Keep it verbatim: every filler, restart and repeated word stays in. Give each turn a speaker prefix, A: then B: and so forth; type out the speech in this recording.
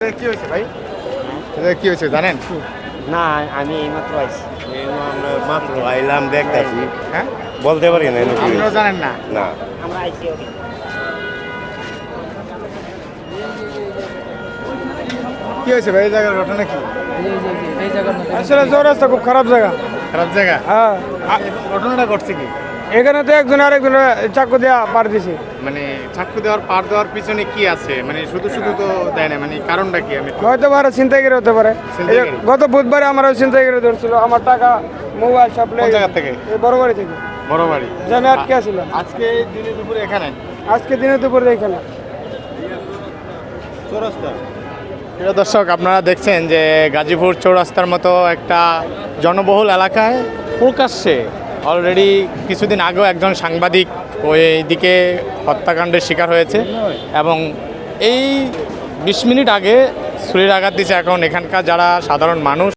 A: কি হয়েছে ভাই? এটা কি হয়েছে জানেন?
B: না আমি এইমাত্র আইছি।
C: আমরা মাত্র আইলাম দেখতেছি,
A: হ্যাঁ,
C: বলতে পারি না এনে কি
A: আপনারা
C: হয়েছে।
A: জানেন না?
C: না
B: আমরা আইছি ওকে।
A: কি হয়েছে ভাই? এই জায়গার ঘটনা কি?
D: আসলে চৌরাস্তা খুব খারাপ জায়গা।
A: খারাপ জায়গা?
D: হ্যাঁ,
A: আ- ঘটনাটা ঘটছে কি?
D: এখানে তো একজন আরেকজন চাকু দিয়া পার দিছে।
A: মানে চাকু দেওয়ার পার দেওয়ার পিছনে কি আছে? মানে শুধু শুধু তো দেয় না, মানে কারণটা কি? আমি একটু-
D: হয়তো পারে ছিনতাইকারী হতে পারে। এই যে
A: ছিনতাইকারী?
D: গত বুধবারে আমার ছিনতাইকারী ধরছিল আমার টাকা, মোবাইল সব
A: কোন
D: লেগে
A: জায়গা থেকে?
D: এই বড় বাড়ি থেকে।
A: বড় বাড়ি।
D: যে আমি আটকে আছিলাম
A: আজকে দিনে দুপুরে এখানে
D: আজকে দিনে দুপুরে এখানে।
A: প্রিয় দর্শক, আপনারা দেখছেন যে গাজীপুর চৌরাস্তার মতো একটা জনবহুল এলাকায় প্রকাশ্যে অলরেডি কিছুদিন আগেও একজন সাংবাদিক ওই দিকে হত্যাকাণ্ডের শিকার হয়েছে এবং এই বিশ মিনিট আগে ছুরির আঘাত দিচ্ছে। এখন এখানকার যারা সাধারণ মানুষ